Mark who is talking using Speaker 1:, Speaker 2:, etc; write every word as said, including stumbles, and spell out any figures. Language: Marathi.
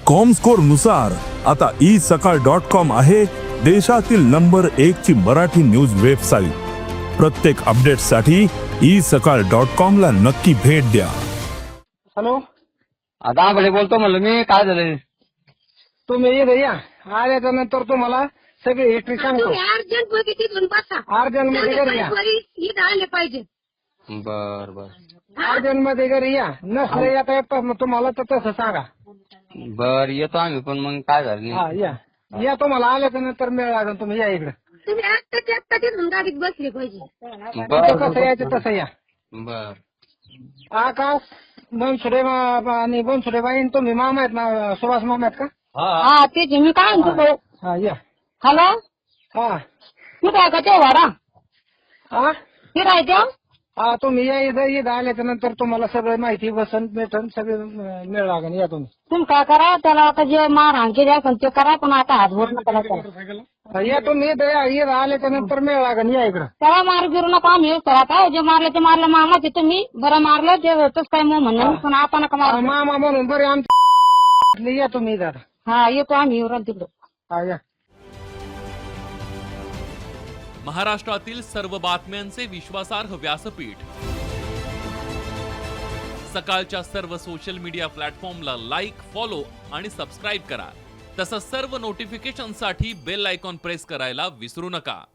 Speaker 1: कॉमस्कोर नुसार आता ई सकाळ डॉट कॉम आहे देशातील नंबर एक ची मराठी न्यूज वेबसाईट। प्रत्येक अपडेट साठी ई सकाळ डॉट कॉम ला नक्की भेट द्या।
Speaker 2: हॅलो,
Speaker 3: आता भले बोलतो म्हणलं मी, काय झालं?
Speaker 2: तुम्ही इथे या, आल्याच्या नंतर तुम्हाला सगळी हिस्ट्री सांगतो।
Speaker 4: अर्जंट मध्ये तिथून बसा,
Speaker 2: अर्जंट मध्ये घरी या,
Speaker 4: इथं आले पाहिजे।
Speaker 3: बर बर
Speaker 2: अर्जंट मध्ये घरी या, नसलं येता येत मग तुम्हाला तर तसं सांगा।
Speaker 3: बर येतो आम्ही, पण मग काय झालं
Speaker 2: हा
Speaker 3: नाही?
Speaker 2: या या, तुम्हाला आल्याच्या नंतर मिळ लागेल, तुम्ही या इकडे।
Speaker 4: तुम्ही आत्ताच्या आत्ता तिथून गाडीत बसले पाहिजे।
Speaker 2: तिथं कसं यायचं तसं या।
Speaker 3: बर
Speaker 2: आकाश बनसुडे आणि बनसुडे बाई तुम्ही मामा आहेत ना, सुभाष मामा आहेत का?
Speaker 4: हा तेच मी काय म्हणतो।
Speaker 2: हा या।
Speaker 4: हॅलो,
Speaker 2: हा
Speaker 4: कुठं आहे का ते वारा?
Speaker 2: हा
Speaker 4: कुठं आहे ते?
Speaker 2: हा तुम्ही या इथं, इथं आल्याच्या नंतर तुम्हाला सगळं माहिती बसन भेटन, सगळे मिळ लागेल, या तुम्ही।
Speaker 4: तुम्ही काय करा, त्याला आता जे मारहाण केली असेल ते करा, पण आता हात बोट नका लावू.
Speaker 2: हा, या तुम्ही इथं या, इथं आल्याच्या नंतर मिळ लागेल, या इकडं।
Speaker 4: त्याला मार गिरू नका, आम्ही येऊ तर आता जे मारलं ते मारलं मामाचे, तुम्ही बरं मारलं ते होतच काय मग म्हणणं, पण आपण नका
Speaker 2: हा,
Speaker 4: मार।
Speaker 2: मामा म्हणून बरे आमच्या या तुम्ही इथं आता।
Speaker 4: हा येतो आम्ही, येऊ राहिलो तिकडं।
Speaker 2: हा या।
Speaker 5: महाराष्ट्रातील सर्व बातम्यांचे विश्वासार्ह व्यासपीठ, सकाळच्या सर्व सोशल मीडिया प्लॅटफॉर्मला लाईक, फॉलो आणि सबस्क्राईब करा। तसंच सर्व नोटिफिकेशनसाठी बेल आयकॉन प्रेस करायला विसरू नका।